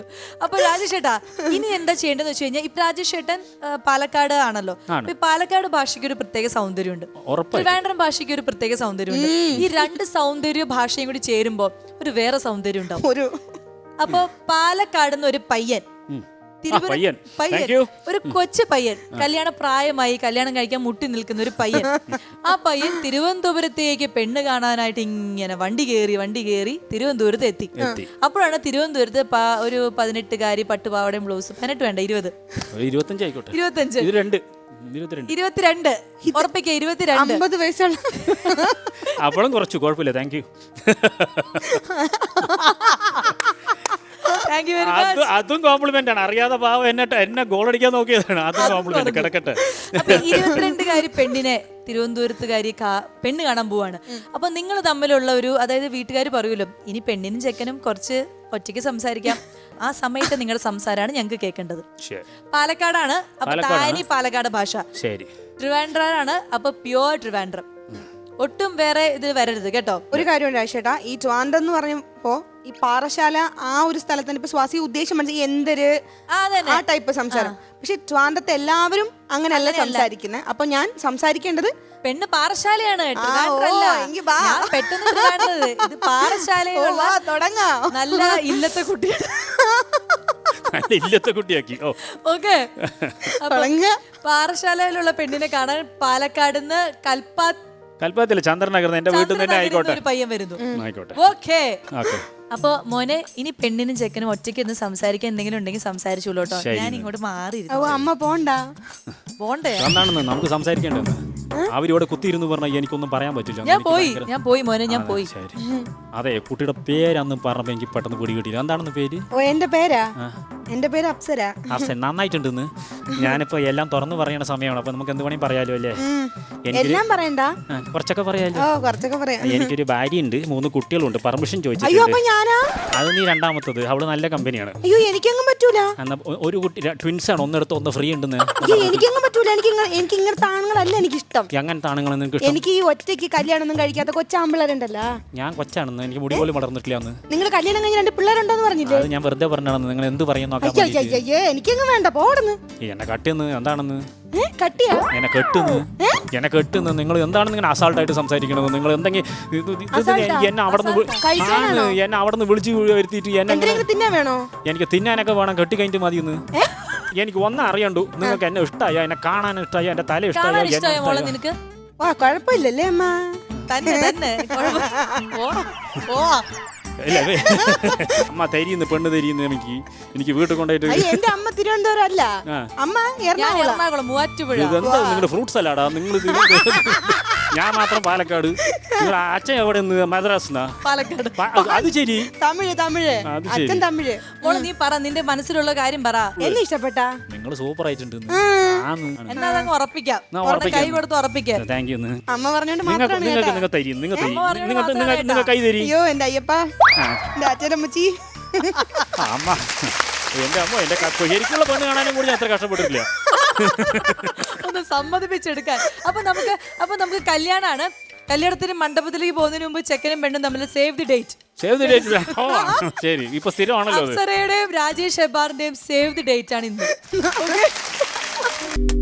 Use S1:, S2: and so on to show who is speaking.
S1: അപ്പൊ രാജേഷ് ഏട്ടാ ഇനി എന്താ ചെയ്യേണ്ടതെന്ന് വെച്ച് കഴിഞ്ഞാൽ ഇപ്പൊ രാജേഷ് ഏട്ടൻ പാലക്കാട് ആണല്ലോ. ഈ പാലക്കാട് ഭാഷയ്ക്ക് ഒരു പ്രത്യേക സൗന്ദര്യമുണ്ട്, ട്രിവാൻഡ്രം ഭാഷയ്ക്ക് ഒരു പ്രത്യേക സൗന്ദര്യമുണ്ട്. ഈ രണ്ട് സൗന്ദര്യ ഭാഷയും കൂടി ചേരുമ്പോ ഒരു വേറെ സൗന്ദര്യം ഉണ്ടാവും. അപ്പൊ പാലക്കാട് ഒരു പയ്യൻ, ഒരു കൊച്ചു പയ്യൻ, കല്യാണ പ്രായമായി കല്യാണം കഴിക്കാൻ മുട്ടി നിൽക്കുന്ന ഒരു പയ്യൻ, ആ പയ്യൻ തിരുവനന്തപുരത്തേക്ക് പെണ്ണ് കാണാനായിട്ട് ഇങ്ങനെ വണ്ടി കയറി തിരുവനന്തപുരത്ത് എത്തി. അപ്പോഴാണ് തിരുവനന്തപുരത്ത് ഒരു 18-കാരി പട്ടുപാവടയും ബ്ലൗസും, 18 വേണ്ട 20, 22 ഉറപ്പിക്ക 22
S2: 50 വയസ്സുള്ള
S3: അപ്പോഴും കുറച്ചു കുഴപ്പമില്ല. Thank you. അതും കോംപ്ലിമെന്റ് ആണ്. അറിയാതെ പാവം എന്നെ ഗോൾ അടിക്കാൻ നോക്കിയതാണ്. അതും കോംപ്ലിമെന്റ്. കിടക്കട്ടെ.
S1: 22-കാരി പെണ്ണിനെ തിരുവനന്തപുരത്തുകാരി പെണ്ണ് കാണാൻ പോവാണ്. അപ്പൊ നിങ്ങൾ തമ്മിലുള്ള ഒരു, അതായത് വീട്ടുകാർ പറയുമല്ലോ ഇനി പെണ്ണിനും ചെക്കനും കുറച്ച് ഒറ്റയ്ക്ക് സംസാരിക്കാം, ആ സമയത്ത് നിങ്ങളുടെ സംസാരമാണ് ഞങ്ങൾക്ക് കേൾക്കേണ്ടത്. പാലക്കാടാണ് അപ്പൊ താനി പാലക്കാട് ഭാഷ, ട്രിവാൻഡ്രാണ് അപ്പൊ പ്യുവർ ട്രിവാൻഡ്രം, ഒട്ടും വേറെ ഇത് വരരുത് കേട്ടോ.
S2: ഒരു കാര്യം രാജേട്ടാ, ഈ ട്രിവാൻഡ്രം എന്ന് പറഞ്ഞപ്പോ ഈ പാറശാല ആ ഒരു സ്ഥലത്തിന് ഇപ്പൊ സ്വാസി ഉദ്ദേശം മനസ്സിൽ എന്തൊരു ആ ടൈപ്പ് സംസാരം. പക്ഷെ ട്രിവാൻഡ്രത്തെ എല്ലാവരും അങ്ങനെയല്ല സംസാരിക്കുന്നത്. അപ്പൊ ഞാൻ സംസാരിക്കേണ്ടത്
S1: പെണ്ണ് പാറശാലയാണ്, പെട്ടെന്ന് ഇത് പാറശാലയിലുള്ള നല്ല ഇല്ലത്തെ കുട്ടിയാണ്.
S3: കുട്ടിയാക്കി.
S1: ഓക്കെ, പാറശാലയിലുള്ള പെണ്ണിനെ കാണാൻ പാലക്കാടുന്ന്
S3: കൽപ്പാത്തില്ല ചന്ദ്രനഗർ എന്റെ വീട്ടിൽ തന്നെ ആയിക്കോട്ടെ
S1: ഒരു പയ്യൻ വരുന്നു.
S3: ആയിക്കോട്ടെ.
S1: ഓക്കെ, അപ്പൊ മോനെ ഇനി പെണ്ണിനും ചെക്കനും ഒറ്റയ്ക്ക് ഒന്ന് സംസാരിക്കാൻ എന്തെങ്കിലും ഉണ്ടെങ്കിൽ സംസാരിച്ചോളൂ കേട്ടോ. ഞാൻ ഇങ്ങോട്ട് മാറി.
S2: അമ്മ പോണ്ടേ?
S3: എന്താണെന്ന് നമുക്ക് സംസാരിക്കേണ്ടത്. അവരിവിടെ കുത്തിയിരുന്നു പറഞ്ഞാൽ എനിക്കൊന്നും പറയാൻ പറ്റില്ല.
S1: ഞാൻ പോയി മോനെ, ഞാൻ പോയി.
S3: അതെ, കുട്ടിയുടെ പേരന്ന് പറഞ്ഞപ്പോ എനിക്ക് പെട്ടെന്ന് പിടി കിട്ടിയില്ല. എന്താണെന്ന് പേര്?
S2: എന്റെ പേരാ, എന്റെ പേര് അപ്സര.
S3: അപ്സര നന്നായിട്ടുണ്ടെന്ന്. ഞാനിപ്പോ എല്ലാം തുറന്നു പറയണ സമയമാണ്. അപ്പൊ നമുക്ക് എന്ത് വേണമെങ്കിൽ പറയാലോ അല്ലേ?
S2: എല്ലാം പറയണ്ട,
S3: കുറച്ചൊക്കെ പറയാലോ. എനിക്കൊരു ഭാര്യയുണ്ട്, 3 കുട്ടികളുണ്ട്. പെർമിഷൻ ചോദിച്ചു. അത് നീ രണ്ടാമത്തത്. അവള് നല്ല കമ്പനിയാണ്.
S2: അയ്യോ എനിക്കങ്ങും പറ്റൂല.
S3: ഒരു കുട്ടി ട്വിൻസ് ആണ്, ഒന്നെടുത്ത് ഒന്ന് ഫ്രീ ഉണ്ടെന്ന്.
S2: എനിക്കങ്ങും പറ്റൂല. എനിക്ക് ഇങ്ങനത്തെ ആണുങ്ങളല്ല എനിക്കിഷ്ടം.
S3: അങ്ങനത്തെ ആണുങ്ങൾ
S2: എനിക്ക് ഈ ഒറ്റയ്ക്ക് കല്യാണം ഒന്നും കഴിക്കാത്ത കൊച്ചാമ്പിള്ളേരുണ്ടല്ലോ.
S3: ഞാൻ കൊച്ചാണെന്ന്, എനിക്ക് മുടി പോലും വളർന്നിട്ടില്ല.
S2: നിങ്ങൾ കല്യാണം കഴിഞ്ഞ 2 പിള്ളേരുണ്ടോന്ന് പറഞ്ഞില്ലേ?
S3: അത് ഞാൻ വെറുതെ പറഞ്ഞാണെന്ന്. നിങ്ങൾ എന്ത് പറയുന്നു?
S2: എനിക്കങ്ങ് വേണ്ട, പോടുന്നു.
S3: എന്നെ കട്ടിന്ന് എന്താണെന്ന്?
S2: കട്ടിയാ
S3: എന്നെ കെട്ടുന്നു. നിങ്ങൾ എന്താണെന്ന് ഇങ്ങനെ അസാൾട്ടായിട്ട് സംസാരിക്കണത്? നിങ്ങൾ എന്തെങ്കിലും എന്നെ അവിടെ നിന്ന് വിളിച്ചു വരുത്തിയിട്ട് എനിക്ക് തിന്നാനൊക്കെ വേണം. കെട്ടി കഴിഞ്ഞിട്ട് മതിയെന്ന്. എനിക്ക് ഒന്നും അറിയണ്ടു. നിങ്ങൾക്ക് എന്നെ ഇഷ്ടമായ, എന്നെ കാണാൻ ഇഷ്ടമായ, എന്റെ തല ഇഷ്ടമായ.
S2: കുഴപ്പമില്ലല്ലേ അമ്മ?
S3: അമ്മ തരിയുന്നു, പെണ്ണ് തരിയുന്നു. എനിക്ക് വീട്ടിൽ കൊണ്ടുപോയിട്ട്.
S2: എന്റെ അമ്മ തിരുവനന്തപുരം അല്ല, അമ്മ എറണാകുളം മൂവാറ്റുപുഴ.
S3: ഇതെന്താ നിങ്ങളുടെ ഫ്രൂട്ട് സലാഡാ? നിങ്ങൾ ഞാൻ മാത്രം പാലക്കാട്. നിങ്ങൾ അച്ഛൻ എവിടെ നിന്ന്? മദ്രാസിനാ?
S1: പാലക്കാട്.
S3: അത് ശരി,
S2: തമിഴ്. അച്ഛൻ തമിഴ്.
S1: മോളെ നീ പറ, നിന്റെ മനസ്സിലുള്ള കാര്യം പറ.
S2: എന്നെ ഇഷ്ടപ്പെട്ട?
S3: നിങ്ങൾ സൂപ്പർ ആയിട്ടുണ്ട്.
S1: എന്നാ ഉറപ്പിക്കാം, കൈ കൊടുത്ത് ഉറപ്പിക്കാം.
S3: Thank you.
S2: അമ്മ പറഞ്ഞോണ്ട്
S3: നിങ്ങൾ കൈ തരി.
S2: അയ്യോ എന്റെ അയ്യപ്പ, എന്റെ അച്ഛനമ്മച്ചി.
S3: അമ്മ, എന്റെ അമ്മ, എന്റെ ശരിക്കുള്ള പെണ്ണ് കാണാനും കൂടി ഞാൻ അത്ര കഷ്ടപ്പെട്ടിട്ടില്ല.
S1: ഒന്ന് സമ്മതിപ്പിച്ചെടുക്കാൻ. അപ്പൊ നമുക്ക് കല്യാണാണ്. കല്യാണത്തിന് മണ്ഡപത്തിലേക്ക് പോകുന്നതിന് മുമ്പ് ചെക്കനും പെണ്ണും തമ്മിൽ സേവ് ദി ഡേറ്റ്.
S3: ശരി, ഇപ്പൊ സ്ഥിരമാണല്ലോ.
S1: അപ്സരയുടെയും രാജേഷ് ഹെബ്ബാറിന്റെയും സേവ് ദി ഡേറ്റ് ആണ് ഇന്ന്.